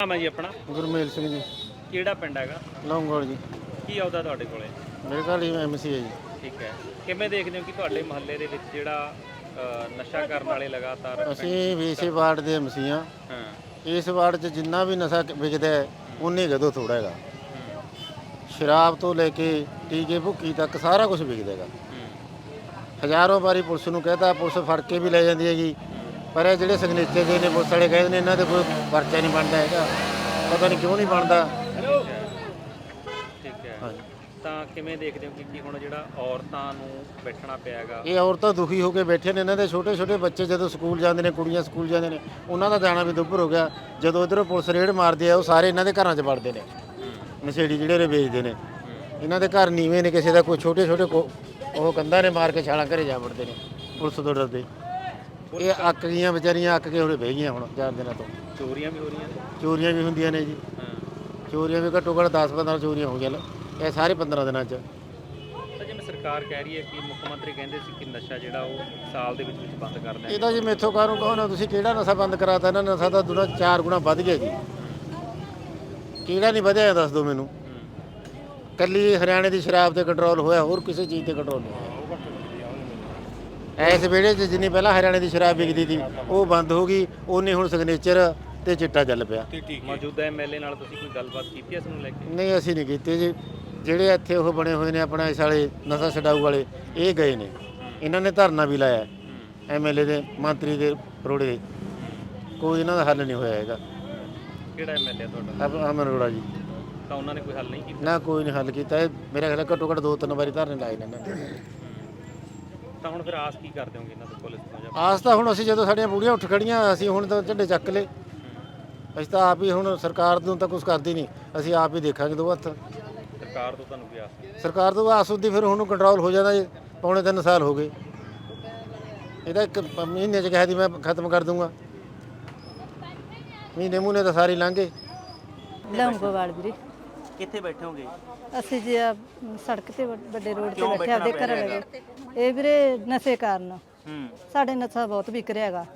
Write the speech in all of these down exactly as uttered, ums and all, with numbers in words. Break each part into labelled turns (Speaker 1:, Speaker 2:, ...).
Speaker 1: ਨਾਮ ਹੈ ਜੀ ਆਪਣਾ?
Speaker 2: ਗੁਰਮੇਲ ਸਿੰਘ ਜੀ।
Speaker 1: ਕਿਹੜਾ ਪਿੰਡ ਹੈਗਾ?
Speaker 2: ਲੌਂਗੋਲ ਜੀ।
Speaker 1: ਕੀ ਆਉਂਦਾ ਤੁਹਾਡੇ ਕੋਲੇ?
Speaker 2: ਮੇਰੇ ਘਰ ਹੀ ਐਮਸੀ ਹੈ ਜੀ।
Speaker 1: ਠੀਕ ਹੈ, ਕਿਵੇਂ ਦੇਖਦੇ ਹੋ ਕਿ ਤੁਹਾਡੇ ਮੁਹੱਲੇ ਦੇ ਵਿੱਚ ਜਿਹੜਾ ਨਸ਼ਾ ਕਰਨ ਵਾਲੇ ਲਗਾਤਾਰ?
Speaker 2: ਅਸੀਂ ਵੀਸੇ ਵਾਰਡ ਦੇ ਐਮਸੀ ਹਾਂ।
Speaker 1: ਹਾਂ,
Speaker 2: ਇਸ ਵਾਰਡ 'ਚ ਜਿੰਨਾ ਵੀ ਨਸ਼ਾ ਵਿਕਦਾ ਹੈ ਉਨੇ ਕਦੋਂ ਥੋੜਾ ਹੈਗਾ। ਸ਼ਰਾਬ ਤੋਂ ਲੈ ਕੇ ਟੀਕੇ ਭੁੱਕੀ ਤੱਕ ਸਾਰਾ ਕੁਝ ਵਿਕਦਾ ਹੈਗਾ। ਹਜ਼ਾਰਾਂ ਵਾਰੀ ਪੁਲਿਸ ਨੂੰ ਕਹਿਤਾ, ਪੁਲਿਸ ਫੜ ਕੇ ਵੀ ਲੈ ਜਾਂਦੀ ਹੈਗੀ, ਪਰ ਇਹ ਜਿਹੜੇ ਸਿਗਨੇਚਰ ਦੇ ਨੇ ਪੁਲਿਸ ਵਾਲੇ ਕਹਿੰਦੇ ਨੇ ਇਹਨਾਂ ਦੇ ਕੋਈ ਪਰਚਾ ਨਹੀਂ ਬਣਦਾ ਹੈਗਾ, ਪਤਾ ਨਹੀਂ ਕਿਉਂ ਨਹੀਂ ਬਣਦਾ।
Speaker 1: ਠੀਕ ਹੈ,
Speaker 2: ਹਾਂਜੀ।
Speaker 1: ਤਾਂ ਕਿਵੇਂ ਦੇਖਦੇ ਹੋ ਕਿ ਕੀ ਹੁਣ ਜਿਹੜਾ ਔਰਤਾਂ ਨੂੰ ਬੈਠਣਾ ਪਿਆ ਹੈਗਾ?
Speaker 2: ਇਹ ਔਰਤਾਂ ਦੁਖੀ ਹੋ ਕੇ ਬੈਠੇ ਨੇ। ਇਹਨਾਂ ਦੇ ਛੋਟੇ ਛੋਟੇ ਬੱਚੇ ਜਦੋਂ ਸਕੂਲ ਜਾਂਦੇ ਨੇ, ਕੁੜੀਆਂ ਸਕੂਲ ਜਾਂਦੇ ਨੇ, ਉਹਨਾਂ ਦਾ ਜਾਣਾ ਵੀ ਦੁੱਭਰ ਹੋ ਗਿਆ। ਜਦੋਂ ਇੱਧਰੋਂ ਪੁਲਿਸ ਰੇਡ ਮਾਰਦੀ ਆ ਉਹ ਸਾਰੇ ਇਹਨਾਂ ਦੇ ਘਰਾਂ 'ਚ ਵੜਦੇ ਨੇ, ਨਸ਼ੇੜੀ ਜਿਹੜੇ ਨੇ ਵੇਚਦੇ ਨੇ। ਇਹਨਾਂ ਦੇ ਘਰ ਨੀਵੇਂ ਨੇ, ਕਿਸੇ ਦਾ ਕੋਈ ਛੋਟੇ ਛੋਟੇ ਉਹ ਕੰਧਾਂ ਨੇ ਮਾਰ ਕੇ ਛਾਲਾਂ ਘਰੇ ਜਾ ਵੜਦੇ ਨੇ ਪੁਲਿਸ ਤੋਂ ਡਰਦੇ। ਇਹ ਅੱਕ ਗਈਆਂ ਵਿਚਾਰੀਆਂ, ਅੱਕ ਕੇ ਹੁਣੇ ਬਹਿ ਗਈਆਂ ਹੁਣ ਚਾਰ ਦਿਨਾਂ ਤੋਂ।
Speaker 1: ਚੋਰੀਆਂ ਵੀ ਹੋ ਰਹੀਆਂ ਨੇ?
Speaker 2: ਚੋਰੀਆਂ ਵੀ ਹੁੰਦੀਆਂ ਨੇ ਜੀ। ਚੋਰੀਆਂ ਵੀ ਘੱਟੋ ਘੱਟ ਦਸ ਪੰਦਰਾਂ ਚੋਰੀਆਂ ਹੋ ਗਈਆਂ ਇਹ ਸਾਰੇ ਪੰਦਰਾਂ ਦਿਨਾਂ 'ਚ।
Speaker 1: ਤਾਂ ਜਿਵੇਂ ਸਰਕਾਰ ਕਹਿ ਰਹੀ ਹੈ ਕਿ ਮੁੱਖ ਮੰਤਰੀ ਕਹਿੰਦੇ ਸੀ ਕਿ ਨਸ਼ਾ ਜਿਹੜਾ ਉਹ ਸਾਲ ਦੇ ਵਿੱਚ ਵਿੱਚ ਬੰਦ ਕਰ ਦੇਣਾ।
Speaker 2: ਇਹਦਾ ਜੀ ਮੈਥੋਂ ਕਾਹਨੂੰ ਕਹੋ ਨਾ, ਤੁਸੀਂ ਕਿਹੜਾ ਨਸ਼ਾ ਬੰਦ ਕਰਾਤਾ? ਇਹਨਾਂ ਨਸ਼ਾ ਤਾਂ ਦੁਨਾ ਚਾਰ ਗੁਣਾ ਵੱਧ ਗਿਆ ਜੀ। ਕਿਹੜਾ ਨਹੀਂ ਵਧਿਆ ਦੱਸ ਦਿਓ ਮੈਨੂੰ। ਕੱਲੀ ਹਰਿਆਣੇ ਦੀ ਸ਼ਰਾਬ 'ਤੇ ਕੰਟਰੋਲ ਹੋਇਆ, ਹੋਰ ਕਿਸੇ ਚੀਜ਼ 'ਤੇ ਕੰਟਰੋਲ ਨਹੀਂ ਹੋਇਆ। ਇਸ ਵੇਲੇ 'ਚ ਜਿੰਨੀ ਪਹਿਲਾਂ ਹਰਿਆਣੇ ਦੀ ਸ਼ਰਾਬ ਵਿਕਦੀ ਸੀ ਉਹ ਬੰਦ ਹੋ ਗਈ, ਉਹਨੇ ਹੁਣ ਸਿਗਨੇਚਰ ਤੇ ਚਿੱਟਾ ਚੱਲ ਪਿਆ।
Speaker 1: ਮੌਜੂਦਾ ਐਮਐਲਏ ਨਾਲ ਤੁਸੀਂ ਕੋਈ ਗੱਲਬਾਤ ਕੀਤੀ ਇਸ ਨੂੰ ਲੈ ਕੇ?
Speaker 2: ਨਹੀਂ, ਅਸੀਂ ਨਹੀਂ ਕੀਤੀ ਜੀ। ਜਿਹੜੇ ਇੱਥੇ ਉਹ ਬਣੇ ਹੋਏ ਨੇ ਆਪਣਾ ਇਸ ਵਾਲੇ ਨਸ਼ਾ ਛਡਾਊ ਵਾਲੇ, ਇਹ ਗਏ ਨੇ, ਇਹਨਾਂ ਨੇ ਧਰਨਾ ਵੀ ਲਾਇਆ ਐਮਐਲਏ ਦੇ ਮੰਤਰੀ ਦੇ ਰੋੜੇ ਦੇ, ਕੋਈ ਇਹਨਾਂ ਦਾ ਹੱਲ ਨਹੀਂ ਹੋਇਆ ਹੈਗਾ।
Speaker 1: ਕਿਹੜਾ ਐਮਐਲਏ ਤੁਹਾਡਾ?
Speaker 2: ਅਮਨ ਅਰੋੜਾ ਜੀ।
Speaker 1: ਤਾਂ ਉਹਨਾਂ ਨੇ ਕੋਈ ਹੱਲ ਨਹੀਂ ਕੀਤਾ?
Speaker 2: ਨਾ, ਕੋਈ ਨਹੀਂ ਹੱਲ ਕੀਤਾ। ਇਹ ਮੇਰੇ ਖਿਆਲ ਘੱਟੋ ਘੱਟ ਦੋ ਤਿੰਨ ਵਾਰੀ ਧਰਨੇ ਲਾਏ ਨੇ ਇਹਨਾਂ ਨੇ।
Speaker 1: ਤਾਂ ਹੁਣ ਫਿਰ ਆਸ ਕੀ ਕਰਦੇ ਹੋਗੇ ਇਹਨਾਂ ਤੋਂ, ਪੁਲਿਸ ਤੋਂ?
Speaker 2: ਆਸ ਤਾਂ ਹੁਣ ਅਸੀਂ ਜਦੋਂ ਸਾਡੀਆਂ ਬੁੜੀਆਂ ਉੱਠ ਖੜੀਆਂ, ਅਸੀਂ ਹੁਣ ਤਾਂ ਝੰਡੇ ਚੱਕ ਲਏ। ਅਸੀਂ ਤਾਂ ਆਪ ਹੀ ਹੁਣ ਸਰਕਾਰ ਨੂੰ ਤਾਂ ਕੁਝ ਕਰਦੀ ਨਹੀਂ, ਅਸੀਂ ਆਪ ਹੀ ਦੇਖਾਂਗੇ ਦੋ ਹੱਥ।
Speaker 1: ਸਰਕਾਰ ਤੋਂ ਤੁਹਾਨੂੰ ਕੀ ਆਸ?
Speaker 2: ਸਰਕਾਰ ਤੋਂ ਆਸ ਹੁੰਦੀ ਫਿਰ ਹੁਣ ਕੰਟਰੋਲ ਹੋ ਜਾਂਦਾ ਜੀ। ਪੌਣੇ ਤਿੰਨ ਸਾਲ ਹੋ ਗਏ, ਇਹਦਾ ਇੱਕ ਮਹੀਨੇ 'ਚ ਕਿਹਾ ਸੀ ਮੈਂ ਖਤਮ ਕਰ ਦੂੰਗਾ, ਮਹੀਨੇ ਮੂਹਨੇ ਤਾਂ ਸਾਰੇ ਲੰਘ ਗਏ।
Speaker 3: ਲੌਂਗੋਵਾਲ ਵੀਰੇ।
Speaker 1: ਕਿੱਥੇ ਬੈਠੇ ਹੋਗੇ?
Speaker 3: ਅਸੀਂ ਜੀ ਆ ਸੜਕ ਤੇ ਵੱਡੇ ਰੋਡ ਤੇ ਬੈਠੇ ਆਪਦੇ ਘਰ ਲਗੇ। ਇਹ ਵੀਰੇ ਨਸ਼ੇ ਕਾਰਨ।
Speaker 1: ਹੂੰ।
Speaker 3: ਸਾਡੇ ਨਸ਼ਾ ਬਹੁਤ ਵਿਕ ਰਿਹਾ ਹੈਗਾ।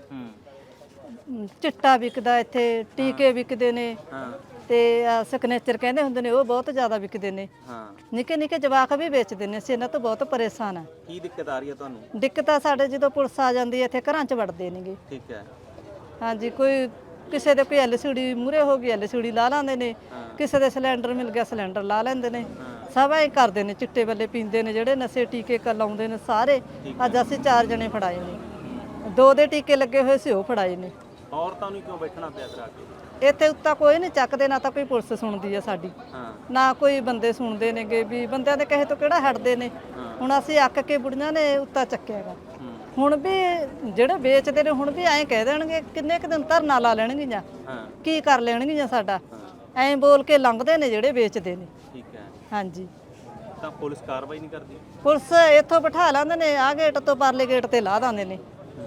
Speaker 1: ਹੂੰ।
Speaker 3: ਚਿੱਟਾ ਵਿਕਦਾ ਇੱਥੇ, ਟੀਕੇ ਵਿਕਦੇ ਨੇ,
Speaker 1: ਹਾਂ,
Speaker 3: ਤੇ ਸਿਗਨੇਚਰ ਕਹਿੰਦੇ ਹੁੰਦੇ ਨੇ ਉਹ ਬਹੁਤ ਜ਼ਿਆਦਾ ਵਿਕਦੇ ਨੇ।
Speaker 1: ਹਾਂ।
Speaker 3: ਨਿੱਕੇ ਨਿੱਕੇ ਜਵਾਕ ਵੀ ਵੇਚਦੇ ਨੇ। ਅਸੀਂ ਇਹਨਾਂ ਤੋਂ ਬਹੁਤ ਪਰੇਸ਼ਾਨ ਆ।
Speaker 1: ਕੀ ਦਿੱਕਤ ਆ ਰਹੀ ਹੈ ਤੁਹਾਨੂੰ?
Speaker 3: ਦਿੱਕਤ ਆ ਸਾਡੇ ਜਦੋਂ ਪੁਲਿਸ ਆ ਜਾਂਦੀ ਹੈ ਇੱਥੇ ਘਰਾਂ 'ਚ ਵੜਦੇ ਨੇਗੇ।
Speaker 1: ਠੀਕ ਹੈ।
Speaker 3: ਹਾਂਜੀ, ਕੋਈ ਕਿਸੇ ਦੇ ਕੋਈ ਐਲਸੀਡੀ ਮੂਰੇ ਹੋ ਗਈ, ਐਲਸੀਡੀ ਲਾ ਲਾਂਦੇ ਨੇ। ਕਿਸੇ ਦੇ ਸਿਲੰਡਰ ਮਿਲ ਗਿਆ, ਸਿਲੰਡਰ ਲਾ ਲੈਂਦੇ ਨੇ। ਸਭ ਐ ਕਰਦੇ ਨੇ, ਚਿੱਟੇ ਬੱਲੇ ਪੀਂਦੇ ਨੇ, ਜਿਹੜੇ ਨਸ਼ੇ ਟੀਕੇ ਕ ਲਾਉਂਦੇ ਨੇ ਸਾਰੇ। ਅੱਜ ਅਸੀਂ ਚਾਰ ਜਣੇ ਫੜਾਏ ਨੇ, ਦੋ ਦੇ ਟੀਕੇ ਲੱਗੇ ਹੋਏ ਸੀ ਉਹ ਫੜਾਏ ਨੇ।
Speaker 1: ਔਰਤਾਂ ਨੂੰ ਕਿਉਂ ਬੈਠਣਾ ਪਿਆ ਫਿਰ ਆ ਕੇ?
Speaker 3: ਇੱਥੇ ਉੱਤਾ ਕੋਈ ਨਹੀਂ ਚੱਕਦੇ, ਨਾ ਤਾਂ ਕੋਈ ਪੁਲਿਸ ਸੁਣਦੀ ਆ ਸਾਡੀ,
Speaker 1: ਹਾਂ,
Speaker 3: ਨਾ ਕੋਈ ਬੰਦੇ ਸੁਣਦੇ ਨੇਗੇ। ਵੀ ਬੰਦਿਆਂ ਦੇ ਕਹੇ ਤੋਂ ਕਿਹੜਾ ਹਟਦੇ ਨੇ। ਹੁਣ ਅਸੀਂ ਅੱਕ ਕੇ ਬੁੜੀਆਂ ਨੇ ਉੱਤਾ ਚੱਕਿਆਗਾ। ਹੁਣ ਵੀ ਜਿਹੜੇ ਵੇਚਦੇ ਨੇ ਹੁਣ ਵੀ ਐਂ ਕਹਿ ਦੇਣਗੇ, ਕਿੰਨੇ ਕੁ ਦਿਨ ਧਰਨਾ ਲਾ ਲੈਣਗੀਆਂ, ਕੀ ਕਰ ਲੈਣਗੀਆਂ ਸਾਡਾ। ਐਂ ਬੋਲ ਕੇ ਲੰਘਦੇ ਨੇ ਜਿਹੜੇ ਵੇਚਦੇ ਨੇ।
Speaker 1: ਠੀਕ ਹੈ।
Speaker 3: ਹਾਂਜੀ।
Speaker 1: ਤਾਂ ਪੁਲਿਸ ਕਾਰਵਾਈ ਨਹੀਂ ਕਰਦੀ?
Speaker 3: ਪੁਲਿਸ ਇੱਥੋਂ ਬਿਠਾ ਲੈਂਦੇ ਨੇ, ਆਹ ਗੇਟ ਤੋਂ ਪਰਲੇ ਗੇਟ ਤੇ ਲਾ ਦਿੰਦੇ ਨੇ,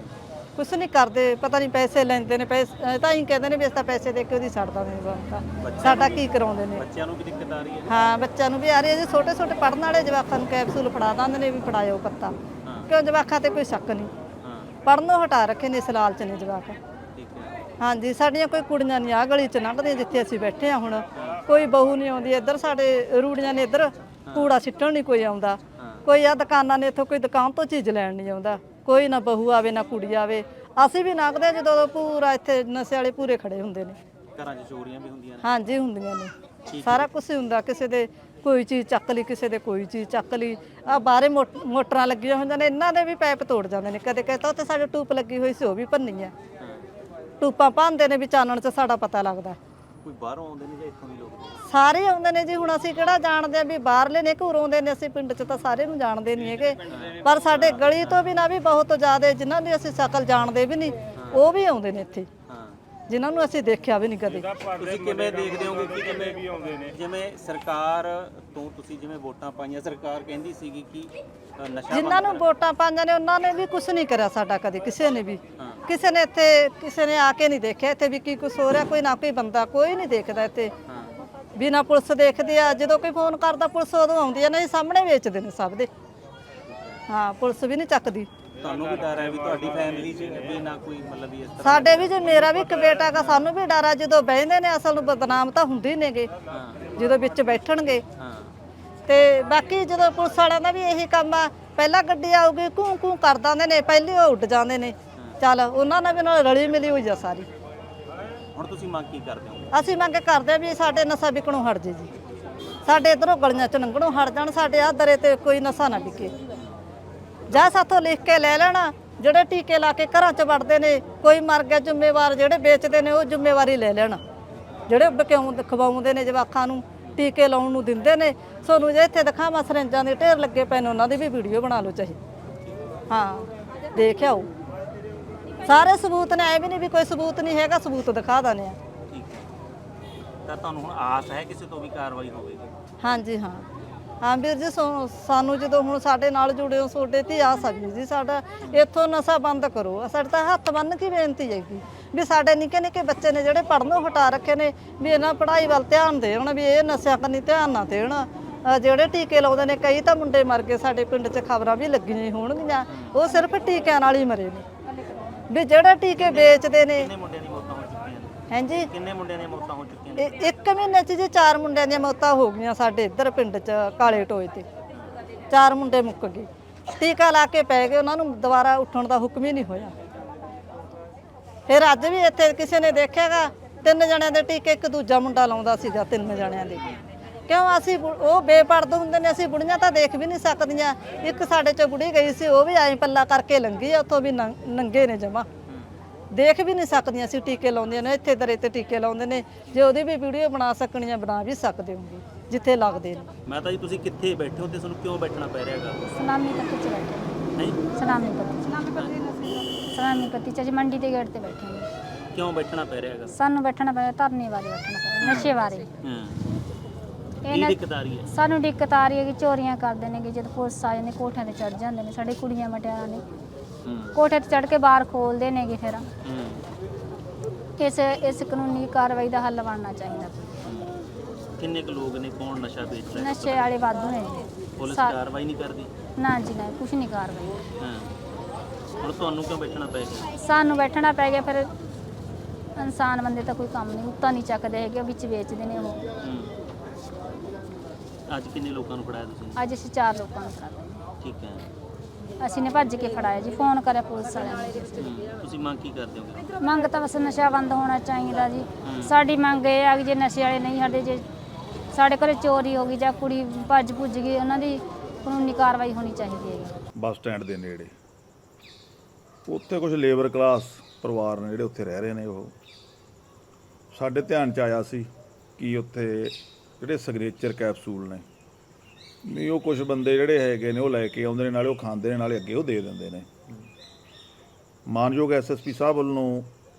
Speaker 3: ਕੁਛ ਨਹੀਂ ਕਰਦੇ। ਪਤਾ ਨਹੀਂ ਪੈਸੇ ਲੈਂਦੇ ਨੇ, ਪੈਸੇ ਤਾਂ ਹੀ ਕਹਿੰਦੇ ਨੇ ਵੀ ਅਸੀਂ ਤਾਂ ਪੈਸੇ ਦੇ ਕੇ ਉਹਦੀ ਛੱਡ ਦਿੰਦੇ ਨੇ। ਸਾਡਾ ਕੀ ਕਰਾਉਂਦੇ ਨੇ।
Speaker 1: ਬੱਚਿਆਂ ਨੂੰ ਵੀ ਦਿੱਕਤ ਆ ਰਹੀ ਹੈ?
Speaker 3: ਹਾਂ, ਬੱਚਿਆਂ ਨੂੰ ਵੀ ਆ ਰਹੀ ਹੈ ਜੀ। ਛੋਟੇ ਛੋਟੇ ਪੜ੍ਹਨ ਵਾਲੇ ਜਵਾਕਾਂ ਨੂੰ ਕੈਪਸੂਲ ਫੜਾ ਦਿੰਦੇ ਨੇ ਵੀ ਫੜਾਇਓ ਪੱਤਾ, ਕਿਉਂ ਜਵਾਕਾਂ ਤੇ ਕੋਈ ਸ਼ੱਕ ਨਹੀਂ। ਪੜ੍ਹਨੋਂ ਹਟਾ ਰੱਖੇ ਨੇ, ਇਸ ਲਾਲਚ ਨੇ ਜਵਾਕ।
Speaker 1: ਠੀਕ ਹੈ।
Speaker 3: ਹਾਂਜੀ, ਸਾਡੀਆਂ ਕੋਈ ਕੁੜੀਆਂ ਨਹੀਂ ਆਹ ਗਲੀ 'ਚ ਲੰਘਦੀਆਂ ਜਿੱਥੇ ਅਸੀਂ ਬੈਠੇ ਹਾਂ ਹੁਣ। ਕੋਈ ਬਹੂ ਨਹੀਂ ਆਉਂਦੀ ਇੱਧਰ, ਸਾਡੇ ਰੂੜੀਆਂ ਨੇ ਇੱਧਰ, ਕੂੜਾ ਸਿੱਟਣ ਨਹੀਂ ਕੋਈ ਆਉਂਦਾ। ਕੋਈ ਆ ਦੁਕਾਨਾਂ ਨੇ, ਇੱਥੋਂ ਕੋਈ ਦੁਕਾਨ ਤੋਂ ਚੀਜ਼ ਲੈਣ ਨਹੀਂ ਆਉਂਦਾ। ਕੋਈ ਨਾ ਬਹੂ ਆਵੇ ਨਾ ਕੁੜੀ ਆਵੇ। ਅਸੀਂ ਵੀ ਲੰਘਦੇ ਜਦੋਂ ਪੂਰਾ ਇੱਥੇ ਨਸ਼ੇ ਵਾਲੇ ਪੂਰੇ ਖੜੇ ਹੁੰਦੇ ਨੇ।
Speaker 1: ਘਰਾਂ 'ਚ ਚੋਰੀਆਂ ਵੀ ਹੁੰਦੀਆਂ ਨੇ? ਹਾਂਜੀ,
Speaker 3: ਹੁੰਦੀਆਂ ਨੇ। ਸਾਰਾ ਕੁਝ ਹੁੰਦਾ। ਕਿਸੇ ਦੇ ਕੋਈ ਚੀਜ਼ ਚੱਕ ਲਈ, ਕਿਸੇ ਦੇ ਕੋਈ ਚੀਜ਼ ਚੱਕ ਲਈ। ਆ ਬਾਹਰੇ ਮੋਟਰਾਂ ਲੱਗੀਆਂ ਹੁੰਦੀਆਂ ਨੇ, ਇਹਨਾਂ ਦੇ ਵੀ ਪਾਈਪ ਤੋੜ ਜਾਂਦੇ ਨੇ। ਕਦੇ ਕਦੇ ਤਾਂ ਉੱਥੇ ਸਾਡੇ ਟੂਪ ਲੱਗੀ ਹੋਈ ਸੀ, ਉਹ ਵੀ ਭੰਨੀ ਆ। ਟੂਪਾਂ ਭੰਨਦੇ ਨੇ ਵੀ ਚਾਨਣ 'ਚ ਸਾਡਾ ਪਤਾ ਲੱਗਦਾ।
Speaker 1: ਕੋਈ ਬਾਹਰੋਂ ਆਉਂਦੇ ਨੇ ਜਾਂ ਇੱਥੋਂ ਦੇ ਲੋਕ?
Speaker 3: ਸਾਰੇ ਆਉਂਦੇ ਨੇ ਜੀ। ਹੁਣ ਅਸੀਂ ਕਿਹੜਾ ਜਾਣਦੇ ਆ ਵੀ ਬਾਹਰਲੇ ਨੇ ਘੂਰ ਆਉਂਦੇ ਨੇ। ਅਸੀਂ ਪਿੰਡ 'ਚ ਤਾਂ ਸਾਰੇ ਨੂੰ ਜਾਣਦੇ ਨਹੀਂ ਹੈਗੇ, ਪਰ ਸਾਡੇ ਗਲੀ ਤੋਂ ਵੀ ਨਾ ਵੀ ਬਹੁਤ ਜ਼ਿਆਦਾ ਜਿਨ੍ਹਾਂ ਦੀ ਅਸੀਂ ਸ਼ਕਲ ਜਾਣਦੇ ਵੀ ਨਹੀਂ, ਉਹ ਵੀ ਆਉਂਦੇ ਨੇ ਇੱਥੇ, ਜਿਨ੍ਹਾਂ ਨੂੰ ਅਸੀਂ ਦੇਖਿਆ ਵੀ ਨਹੀਂ ਕਦੇ।
Speaker 1: ਤੁਸੀਂ ਕਿਵੇਂ ਦੇਖਦੇ ਹੋਗੇ ਕਿ ਜਿਵੇਂ ਵੀ ਆਉਂਦੇ ਨੇ, ਜਿਵੇਂ ਸਰਕਾਰ ਤੋਂ ਤੁਸੀਂ ਜਿਵੇਂ ਵੋਟਾਂ ਪਾਈਆਂ, ਸਰਕਾਰ ਕਹਿੰਦੀ ਸੀਗੀ ਕਿ ਨਸ਼ਾ
Speaker 3: ਜਿਨ੍ਹਾਂ ਨੂੰ ਵੋਟਾਂ ਪਾਈਆਂ ਨੇ ਉਹਨਾਂ ਨੇ ਵੀ ਕੁਝ ਨਹੀਂ ਕਰਿਆ ਸਾਡਾ ਕਦੇ, ਕਿਸੇ ਨੇ ਵੀ। ਕਿਸੇ ਨੇ ਇੱਥੇ ਕਿਸੇ ਨੇ ਆ ਕੇ ਨਹੀਂ ਦੇਖਿਆ ਇੱਥੇ ਵੀ ਕੀ ਕੁਛ ਹੋ ਰਿਹਾ। ਕੋਈ ਨਾ ਕੋਈ ਬੰਦਾ ਕੋਈ ਨਹੀਂ ਦੇਖਦਾ ਇੱਥੇ, ਬਿਨਾ ਪੁਲਿਸ ਦੇਖਦੀ ਆ। ਜਦੋਂ ਕੋਈ ਫੋਨ ਕਰਦਾ ਪੁਲਿਸ ਉਦੋਂ ਆਉਂਦੀ ਆ, ਨਹੀਂ ਸਾਹਮਣੇ ਵੇਚਦੇ ਨੇ ਸਭ ਦੇ। ਹਾਂ, ਪੁਲਿਸ ਵੀ ਨਹੀਂ ਚੱਕਦੀ।
Speaker 1: ਤੁਹਾਨੂੰ ਵੀ ਡਰ ਹੈ ਵੀ ਤੁਹਾਡੀ ਫੈਮਿਲੀ 'ਚ ਵੀ ਨਾ ਕੋਈ ਮਤਲਬ ਵੀ ਇਸ ਤਰ੍ਹਾਂ?
Speaker 3: ਸਾਡੇ ਵੀ ਜੇ ਮੇਰਾ ਵੀ ਇੱਕ ਬੇਟਾ ਗਾ, ਸਾਨੂੰ ਵੀ ਡਰ ਆ। ਜਦੋਂ ਬਹਿੰਦੇ ਨੇ ਅਸਲ ਨੂੰ ਬਦਨਾਮ ਤਾਂ ਹੁੰਦੇ ਨੇਗੇ
Speaker 1: ਹਾਂ
Speaker 3: ਜਦੋਂ ਵਿੱਚ ਬੈਠਣਗੇ।
Speaker 1: ਹਾਂ
Speaker 3: ਤੇ ਬਾਕੀ ਜਦੋਂ ਪੁਲਿਸ ਵਾਲਿਆਂ ਦਾ ਵੀ ਇਹੀ ਕੰਮ ਆ, ਪਹਿਲਾਂ ਗੱਡੀ ਆਊਗੀ ਘੂੰ ਘੂੰ ਕਰ ਦਿੰਦੇ ਨੇ, ਪਹਿਲੇ ਉਹ ਉੱਡ ਜਾਂਦੇ ਨੇ। ਚੱਲ ਉਹਨਾਂ ਨਾਲ ਵੀ ਨਾਲ ਰਲੀ ਮਿਲੀ ਹੋਈ ਆ ਸਾਰੀ।
Speaker 1: ਹੁਣ ਤੁਸੀਂ ਮੰਗ ਕੀ ਕਰਦੇ ਹੋ?
Speaker 3: ਅਸੀਂ ਮੰਗ ਕਰਦੇ ਆ ਵੀ ਸਾਡੇ ਨਸ਼ਾ ਵਿਕਣੋਂ ਹਟ ਜੇ ਜੀ, ਸਾਡੇ ਇਧਰੋਂ ਗਲੀਆਂ ਚ ਲੰਘਣੋਂ ਹਟ ਜਾਣ, ਸਾਡੇ ਆਹ ਦਰੇ ਤੇ ਕੋਈ ਨਸ਼ਾ ਨਾ ਵਿਕੇ। ਜਾਂ ਸਾਥੋਂ ਲਿਖ ਕੇ ਲੈ ਲੈਣਾ, ਜਿਹੜੇ ਟੀਕੇ ਲਾ ਕੇ ਘਰਾਂ 'ਚ ਵੜਦੇ ਨੇ, ਕੋਈ ਮਰ ਗਿਆ ਜ਼ਿੰਮੇਵਾਰ, ਜਿਹੜੇ ਵੇਚਦੇ ਨੇ ਉਹ ਜ਼ਿੰਮੇਵਾਰੀ ਲੈ ਲੈਣ, ਜਿਹੜੇ ਕਿਉਂ ਖਵਾਉਂਦੇ ਨੇ ਜਵਾਕਾਂ ਨੂੰ, ਟੀਕੇ ਲਾਉਣ ਨੂੰ ਦਿੰਦੇ ਨੇ। ਸੋਨੂੰ ਜੇ ਇੱਥੇ ਦਿਖਾਵਾਂ ਸਰੰਜਾਂ ਦੇ ਢੇਰ ਲੱਗੇ ਪਏ ਨੇ, ਉਹਨਾਂ ਦੀ ਵੀ ਵੀਡੀਓ ਬਣਾ ਲਓ ਚਾਹੇ। ਹਾਂ ਦੇਖ ਆਓ, ਸਾਰੇ ਸਬੂਤ ਨੇ, ਐ ਵੀ ਨਹੀਂ ਵੀ ਕੋਈ ਸਬੂਤ ਨਹੀਂ ਹੈਗਾ, ਸਬੂਤ ਦਿਖਾ ਦਿੰਦੇ ਆ।
Speaker 1: ਠੀਕ ਹੈ, ਤਾਂ ਤੁਹਾਨੂੰ ਹੁਣ ਆਸ ਹੈ ਕਿਸੇ ਤੋਂ ਵੀ ਕਾਰਵਾਈ ਹੋਵੇਗੀ?
Speaker 3: ਹਾਂਜੀ ਹਾਂ ਹਾਂ ਵੀਰ ਜੀ, ਸੋ- ਸਾਨੂੰ ਜਦੋਂ ਹੁਣ ਸਾਡੇ ਨਾਲ ਜੁੜੇ ਹੋ ਤੁਹਾਡੇ ਤੇ ਆਸ ਆ ਵੀਰ ਜੀ, ਸਾਡਾ ਇੱਥੋਂ ਨਸ਼ਾ ਬੰਦ ਕਰੋ। ਸਾਡੇ ਤਾਂ ਹੱਥ ਬੰਨ੍ਹ ਕੇ ਬੇਨਤੀ ਹੈਗੀ ਵੀ ਸਾਡੇ ਨਿੱਕੇ ਨਿੱਕੇ ਬੱਚੇ ਨੇ ਜਿਹੜੇ ਪੜ੍ਹਨੋਂ ਹਟਾ ਰੱਖੇ ਨੇ, ਵੀ ਇਹਨਾਂ ਪੜ੍ਹਾਈ ਵੱਲ ਧਿਆਨ ਦੇਣ, ਵੀ ਇਹ ਨਸ਼ਿਆਂ ਕੰਨੀ ਧਿਆਨ ਨਾ ਦੇਣ। ਅਹ ਜਿਹੜੇ ਟੀਕੇ ਲਾਉਂਦੇ ਨੇ, ਕਈ ਤਾਂ ਮੁੰਡੇ ਮਰ ਗਏ, ਸਾਡੇ ਪਿੰਡ 'ਚ ਖਬਰਾਂ ਵੀ ਲੱਗੀਆਂ ਹੋਣਗੀਆਂ, ਉਹ ਸਿਰਫ ਟੀਕਿਆਂ ਨਾਲ ਹੀ ਮਰੇ ਨੇ। ਵੀ ਜਿਹੜੇ ਟੀਕੇ ਵੇਚਦੇ ਨੇ।
Speaker 1: ਕਿੰਨੇ ਮੁੰਡਿਆਂ ਦੀ ਮੌਤਾਂ ਹੋ ਚੁੱਕੀਆਂ ਨੇ?
Speaker 3: ਹਾਂਜੀ,
Speaker 1: ਕਿੰਨੇ ਮੁੰਡਿਆਂ ਦੀਆਂ ਮੌਤਾਂ ਹੋ ਚੁੱਕੀਆਂ ਨੇ?
Speaker 3: ਇਹ ਇੱਕ ਮਹੀਨੇ 'ਚ ਜੀ ਚਾਰ ਮੁੰਡਿਆਂ ਦੀਆਂ ਮੌਤਾਂ ਹੋ ਗਈਆਂ ਸਾਡੇ ਇੱਧਰ ਪਿੰਡ 'ਚ ਕਾਲੇ ਟੋਏ ਤੇ। ਚਾਰ ਮੁੰਡੇ ਮੁੱਕ ਗਏ, ਟੀਕਾ ਲਾ ਕੇ ਪੈ ਗਏ, ਉਹਨਾਂ ਨੂੰ ਦੁਬਾਰਾ ਉੱਠਣ ਦਾ ਹੁਕਮ ਹੀ ਨਹੀਂ ਹੋਇਆ। ਫਿਰ ਅੱਜ ਵੀ ਇੱਥੇ ਕਿਸੇ ਨੇ ਦੇਖਿਆਗਾ, ਤਿੰਨ ਜਣਿਆਂ ਦੇ ਟੀਕੇ ਇੱਕ ਦੂਜਾ ਮੁੰਡਾ ਲਾਉਂਦਾ ਸੀਗਾ, ਤਿੰਨ ਜਣਿਆਂ ਦੇ। ਕਿਉਂ ਅਸੀਂ ਬੁ- ਉਹ ਬੇਪਰਦ ਹੁੰਦੇ ਨੇ, ਅਸੀਂ ਬੁੜੀਆਂ ਤਾਂ ਦੇਖ ਵੀ ਨਹੀਂ ਸਕਦੀਆਂ। ਇੱਕ ਸਾਡੇ 'ਚ ਬੁੜੀ ਗਈ ਸੀ, ਉਹ ਵੀ ਐਂ ਪੱਲਾ ਕਰਕੇ ਲੰਘੀ ਆ, ਉੱਥੋਂ ਵੀ ਨੰਗ- ਨੰਗੇ ਨੇ ਜਮਾ, ਦੇਖ ਵੀ ਨਹੀਂ ਸਕਦੀਆਂ ਸੀ। ਟੀਕੇ ਲਾਉਂਦੀਆਂ ਨੇ, ਇੱਥੇ ਦਰੇ ਤੇ ਟੀਕੇ ਲਾਉਂਦੇ ਨੇ, ਜੇ ਉਹਦੀ ਵੀ ਵੀਡੀਓ ਬਣਾ ਸਕਣੀਆਂ ਬਣਾ ਵੀ ਸਕਦੇ ਹੋਗੇ ਜਿੱਥੇ ਲੱਗਦੇ ਨੇ।
Speaker 1: ਮਾਤਾ ਜੀ ਤੁਸੀਂ ਕਿੱਥੇ ਬੈਠੇ ਹੋ ਤੇ ਤੁਹਾਨੂੰ ਕਿਉਂ ਬੈਠਣਾ ਪੈ ਰਿਹਾ ਹੈਗਾ?
Speaker 4: ਸਲਾਮੀ ਪੱਤੀ ਚ ਬੈਠੇ
Speaker 1: ਹੈ
Speaker 4: ਸਲਾਮੀ ਪੱਤੀ ਸਲਾਮੀ ਪੱਤੀ ਚ ਜੀ ਮੰਡੀ ਦੇ ਗੇਟ ਤੇ ਬੈਠੇ ਨੇ।
Speaker 1: ਕਿਉਂ ਬੈਠਣਾ ਪੈ ਰਿਹਾ ਹੈਗਾ?
Speaker 4: ਸਾਨੂੰ ਬੈਠਣਾ ਪਿਆ ਧਰਨੇ ਬਾਰੇ ਬੈਠਣਾ ਪਿਆ, ਨਸ਼ੇ ਬਾਰੇ।
Speaker 1: ਹਾਂ ਕੀ
Speaker 4: ਇਹਨਾਂ
Speaker 1: ਦਿੱਕਤ ਆ ਰਹੀ ਹੈ?
Speaker 4: ਸਾਨੂੰ ਦਿੱਕਤ ਆ ਰਹੀ ਹੈ ਕਿ ਚੋਰੀਆਂ ਕਰਦੇ ਨੇ, ਕਿ ਜਦ ਪੁਲਿਸ ਆ ਜਾਂਦੇ ਕੋਠਿਆਂ ਤੇ ਚੜ ਜਾਂਦੇ ਨੇ, ਸਾਡੇ ਕੁੜੀਆਂ ਮਟਿਆਰਾਂ ਨੇ
Speaker 1: ਹੂੰ
Speaker 4: ਕੋਠੇ ਤੇ ਚੜ ਕੇ ਬਾਹਰ ਖੋਲਦੇ ਨੇਗੇ। ਫਿਰ
Speaker 1: ਹੂੰ
Speaker 4: ਇਸ ਇਸ ਕਾਨੂੰਨੀ ਕਾਰਵਾਈ ਦਾ ਹੱਲ ਬਣਨਾ ਚਾਹੀਦਾ।
Speaker 1: ਕਿੰਨੇ ਕੁ ਲੋਕ ਨੇ, ਕੌਣ ਨਸ਼ਾ ਵੇਚ ਰਿਹਾ?
Speaker 4: ਨਸ਼ੇ ਵਾਲੇ ਵਾਧੂ ਨੇ ਜੀ।
Speaker 1: ਪੁਲਿਸ
Speaker 4: ਸਾ-
Speaker 1: ਕਾਰਵਾਈ ਨਹੀਂ ਕਰਦੀ?
Speaker 4: ਨਾ ਜੀ ਨਾ, ਕੁਛ ਨਹੀਂ ਕਾਰਵਾਈ।
Speaker 1: ਹਾਂ ਹੁਣ ਤੁਹਾਨੂੰ ਕਿਉਂ ਬੈਠਣਾ ਪੈ ਗਿਆ?
Speaker 4: ਸਾਨੂੰ ਬੈਠਣਾ ਪੈ ਗਿਆ। ਫਿਰ ਇਨਸਾਨ ਬੰਦੇ ਤਾਂ ਕੋਈ ਕੰਮ ਨਹੀਂ, ਉੱਤਾ ਨਹੀਂ ਚੱਕਦੇ ਹੈਗੇ, ਉਹ ਵਿੱਚ ਵੇਚਦੇ ਨੇ ਉਹ।
Speaker 1: ਹੂੰ ਅੱਜ ਕਿੰਨੇ ਲੋਕਾਂ ਨੂੰ ਫੜਾਇਆ ਤੁਸੀਂ?
Speaker 4: ਅੱਜ ਅਸੀਂ ਚਾਰ ਲੋਕਾਂ ਨੂੰ ਫੜਾਇਆ।
Speaker 1: ਠੀਕ ਹੈ,
Speaker 4: ਅਸੀਂ ਨੇ ਭੱਜ ਕੇ ਫੜਾਇਆ ਜੀ, ਫੋਨ ਕਰਿਆ ਪੁਲਿਸ ਵਾਲਿਆਂ ਨੇ।
Speaker 1: ਹੂੰ ਤੁਸੀਂ ਮੰਗ ਕੀ ਕਰਦੇ ਹੋਗੇ?
Speaker 4: ਮੰਗ ਤਾਂ ਬਸ ਨਸ਼ਾ ਬੰਦ ਹੋਣਾ ਚਾਹੀਦਾ ਜੀ। ਸਾਡੀ ਮੰਗ ਇਹ ਆ ਕਿ ਜੇ ਨਸ਼ੇ ਵਾਲੇ ਨਹੀਂ ਸਾਡੇ, ਜੇ ਸਾਡੇ ਘਰੇ ਚੋਰੀ ਹੋ ਗਈ ਜਾਂ ਕੁੜੀ ਭੱਜ ਭੁੱਜ ਗਈ, ਉਹਨਾਂ ਦੀ ਕਾਨੂੰਨੀ ਕਾਰਵਾਈ ਹੋਣੀ ਚਾਹੀਦੀ ਹੈ।
Speaker 5: ਬੱਸ ਸਟੈਂਡ ਦੇ ਨੇੜੇ ਉੱਥੇ ਕੁਝ ਲੇਬਰ ਕਲਾਸ ਪਰਿਵਾਰ ਨੇ ਜਿਹੜੇ ਉੱਥੇ ਰਹਿ ਰਹੇ ਨੇ, ਉਹ ਸਾਡੇ ਧਿਆਨ 'ਚ ਆਇਆ ਸੀ ਕਿ ਉੱਥੇ ਜਿਹੜੇ ਸਿਗਨੇਚਰ ਕੈਪਸੂਲ ਨੇ, ਵੀ ਉਹ ਕੁਝ ਬੰਦੇ ਜਿਹੜੇ ਹੈਗੇ ਨੇ ਉਹ ਲੈ ਕੇ ਆਉਂਦੇ ਨੇ, ਨਾਲੇ ਉਹ ਖਾਂਦੇ ਨੇ, ਨਾਲੇ ਅੱਗੇ ਉਹ ਦੇ ਦਿੰਦੇ ਨੇ। ਮਾਨਯੋਗ ਐਸ ਐਸ ਪੀ ਸਾਹਿਬ ਵੱਲੋਂ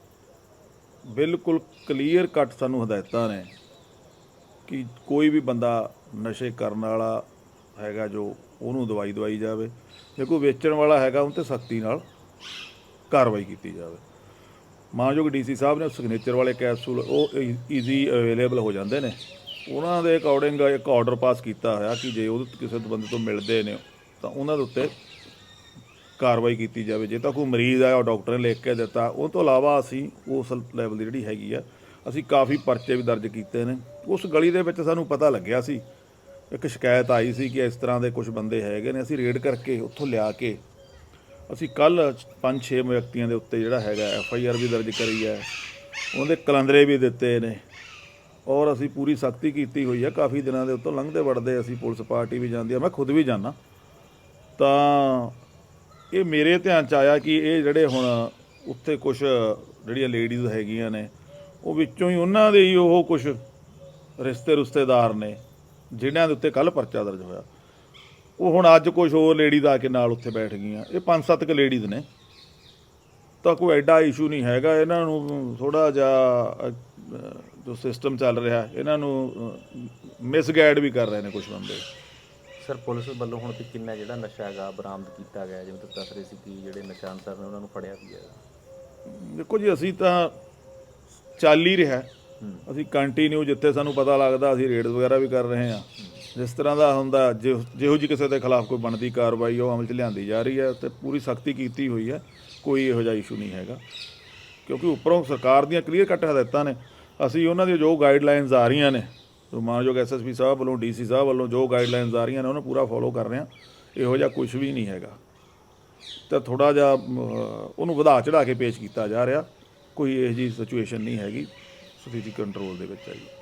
Speaker 5: ਬਿਲਕੁਲ ਕਲੀਅਰ ਕੱਟ ਸਾਨੂੰ ਹਦਾਇਤਾਂ ਨੇ ਕਿ ਕੋਈ ਵੀ ਬੰਦਾ ਨਸ਼ੇ ਕਰਨ ਵਾਲਾ ਹੈਗਾ ਜੋ, ਉਹਨੂੰ ਦਵਾਈ ਦਵਾਈ ਜਾਵੇ, ਜੇ ਕੋਈ ਵੇਚਣ ਵਾਲਾ ਹੈਗਾ ਉਹ 'ਤੇ ਸਖਤੀ ਨਾਲ ਕਾਰਵਾਈ ਕੀਤੀ ਜਾਵੇ। ਮਾਨਯੋਗ ਡੀ ਸੀ ਸਾਹਿਬ ਨੇ ਸਿਗਨੇਚਰ ਵਾਲੇ ਕੈਪਸੂਲ ਉਹ ਈਜ਼ੀ ਅਵੇਲੇਬਲ ਹੋ ਜਾਂਦੇ ਨੇ, ਉਹਨਾਂ ਦੇ ਅਕੋਰਡਿੰਗ ਇੱਕ ਆਰਡਰ ਪਾਸ ਕੀਤਾ ਹੋਇਆ ਕਿ ਜੇ ਉਹ ਕਿਸੇ ਬੰਦੇ ਤੋਂ ਮਿਲਦੇ ਨੇ ਤਾਂ ਉਹਨਾਂ ਦੇ ਉੱਤੇ ਕਾਰਵਾਈ ਕੀਤੀ ਜਾਵੇ। ਜੇ ਤਾਂ ਕੋਈ ਮਰੀਜ਼ ਆਇਆ, ਉਹ ਡਾਕਟਰ ਨੇ ਲਿਖ ਕੇ ਦਿੱਤਾ, ਉਹ ਤੋਂ ਇਲਾਵਾ ਅਸੀਂ ਉਸ ਲੈਵਲ ਦੀ ਜਿਹੜੀ ਹੈਗੀ ਆ, ਅਸੀਂ ਕਾਫੀ ਪਰਚੇ ਵੀ ਦਰਜ ਕੀਤੇ ਨੇ। ਉਸ ਗਲੀ ਦੇ ਵਿੱਚ ਸਾਨੂੰ ਪਤਾ ਲੱਗਿਆ ਸੀ, ਇੱਕ ਸ਼ਿਕਾਇਤ ਆਈ ਸੀ ਕਿ ਇਸ ਤਰ੍ਹਾਂ ਦੇ ਕੁਝ ਬੰਦੇ ਹੈਗੇ ਨੇ, ਅਸੀਂ ਰੇਡ ਕਰਕੇ ਉੱਥੋਂ ਲਿਆ ਕੇ ਅਸੀਂ ਕੱਲ੍ਹ ਪੰਜ ਛੇ ਵਿਅਕਤੀਆਂ ਦੇ ਉੱਤੇ ਜਿਹੜਾ ਹੈਗਾ ਐਫ ਆਈ ਆਰ ਵੀ ਦਰਜ ਕਰੀ ਹੈ, ਉਹਦੇ ਕਲੰਦਰੇ ਵੀ ਦਿੱਤੇ ਨੇ, ਔਰ ਅਸੀਂ ਪੂਰੀ ਸਖਤੀ ਕੀਤੀ ਹੋਈ ਹੈ। ਕਾਫੀ ਦਿਨਾਂ ਦੇ ਉੱਤੋਂ ਲੰਘਦੇ ਵੜਦੇ ਅਸੀਂ ਪੁਲਿਸ ਪਾਰਟੀ ਵੀ ਜਾਂਦੀ ਆ, ਮੈਂ ਖੁਦ ਵੀ ਜਾਂਦਾ, ਤਾਂ ਇਹ ਮੇਰੇ ਧਿਆਨ 'ਚ ਆਇਆ ਕਿ ਇਹ ਜਿਹੜੇ ਹੁਣ ਉੱਥੇ ਕੁਛ ਜਿਹੜੀਆਂ ਲੇਡੀਜ਼ ਹੈਗੀਆਂ ਨੇ, ਉਹ ਵਿੱਚੋਂ ਹੀ ਉਹਨਾਂ ਦੇ ਹੀ ਉਹ ਕੁਛ ਰਿਸ਼ਤੇ ਰਿਸ਼ਤੇਦਾਰ ਨੇ ਜਿਨ੍ਹਾਂ ਦੇ ਉੱਤੇ ਕੱਲ੍ਹ ਪਰਚਾ ਦਰਜ ਹੋਇਆ, ਉਹ ਹੁਣ ਅੱਜ ਕੁਛ ਹੋਰ ਲੇਡੀਜ਼ ਆ ਕੇ ਨਾਲ ਉੱਥੇ ਬੈਠ ਗਈਆਂ। ਇਹ ਪੰਜ ਸੱਤ ਕੁ ਲੇਡੀਜ਼ ਨੇ, ਤਾਂ ਕੋਈ ਐਡਾ ਇਸ਼ੂ ਨਹੀਂ ਹੈਗਾ। ਇਹਨਾਂ ਨੂੰ ਥੋੜ੍ਹਾ ਜਿਹਾ ਜੋ ਸਿਸਟਮ ਚੱਲ ਰਿਹਾ, ਇਹਨਾਂ ਨੂੰ ਮਿਸਗਾਈਡ ਵੀ ਕਰ ਰਹੇ ਨੇ ਕੁਛ ਬੰਦੇ।
Speaker 6: ਸਰ ਪੁਲਿਸ ਵੱਲੋਂ ਹੁਣ ਤੱਕ ਕਿੰਨਾ ਜਿਹੜਾ ਨਸ਼ਾ ਹੈਗਾ ਬਰਾਮਦ ਕੀਤਾ ਗਿਆ, ਜਿਵੇਂ ਤੁਸੀਂ ਦੱਸ ਰਹੇ ਸੀ ਕਿ ਜਿਹੜੇ ਨਸ਼ਾ ਅਨਸਰ ਨੇ ਉਹਨਾਂ ਨੂੰ ਫੜਿਆ ਵੀ ਹੈ?
Speaker 5: ਦੇਖੋ ਜੀ, ਅਸੀਂ ਤਾਂ ਚੱਲ ਹੀ ਰਿਹਾ, ਅਸੀਂ ਕੰਟੀਨਿਊ ਜਿੱਥੇ ਸਾਨੂੰ ਪਤਾ ਲੱਗਦਾ ਅਸੀਂ ਰੇਡ ਵਗੈਰਾ ਵੀ ਕਰ ਰਹੇ ਹਾਂ, ਜਿਸ ਤਰ੍ਹਾਂ ਦਾ ਹੁੰਦਾ ਜਿਹੋ ਜਿਹੋ ਜਿਹੀ ਕਿਸੇ ਦੇ ਖਿਲਾਫ ਕੋਈ ਬਣਦੀ ਕਾਰਵਾਈ ਉਹ ਅਮਲ 'ਚ ਲਿਆਂਦੀ ਜਾ ਰਹੀ ਹੈ ਤੇ ਪੂਰੀ ਸਖਤੀ ਕੀਤੀ ਹੋਈ ਹੈ। ਕੋਈ ਇਹੋ ਜਿਹਾ ਇਸ਼ੂ ਨਹੀਂ ਹੈਗਾ, ਕਿਉਂਕਿ ਉੱਪਰੋਂ ਸਰਕਾਰ ਦੀਆਂ ਕਲੀਅਰ ਕੱਟ ਹਦਾਇਤਾਂ ਨੇ। ਅਸੀਂ ਉਹਨਾਂ ਦੀਆਂ ਜੋ ਗਾਈਡਲਾਈਨਸ ਆ ਰਹੀਆਂ ਨੇ, ਜੋ ਮਾਨਯੋਗ ਐਸ ਐਸ ਪੀ ਸਾਹਿਬ ਵੱਲੋਂ, ਡੀ ਸੀ ਸਾਹਿਬ ਵੱਲੋਂ ਜੋ ਗਾਈਡਲਾਈਨਸ ਆ ਰਹੀਆਂ ਨੇ, ਉਹਨੂੰ ਪੂਰਾ ਫੋਲੋ ਕਰ ਰਹੇ ਹਾਂ। ਇਹੋ ਜਿਹਾ ਕੁਝ ਵੀ ਨਹੀਂ ਹੈਗਾ ਤਾਂ ਥੋੜ੍ਹਾ ਜਿਹਾ ਉਹਨੂੰ ਵਧਾ ਚੜ੍ਹਾ ਕੇ ਪੇਸ਼ ਕੀਤਾ ਜਾ ਰਿਹਾ। ਕੋਈ ਇਹੋ ਜਿਹੀ ਸਿਚੁਏਸ਼ਨ ਨਹੀਂ ਹੈਗੀ, ਸਥਿਤੀ ਕੰਟਰੋਲ ਦੇ ਵਿੱਚ ਹੈ ਜੀ।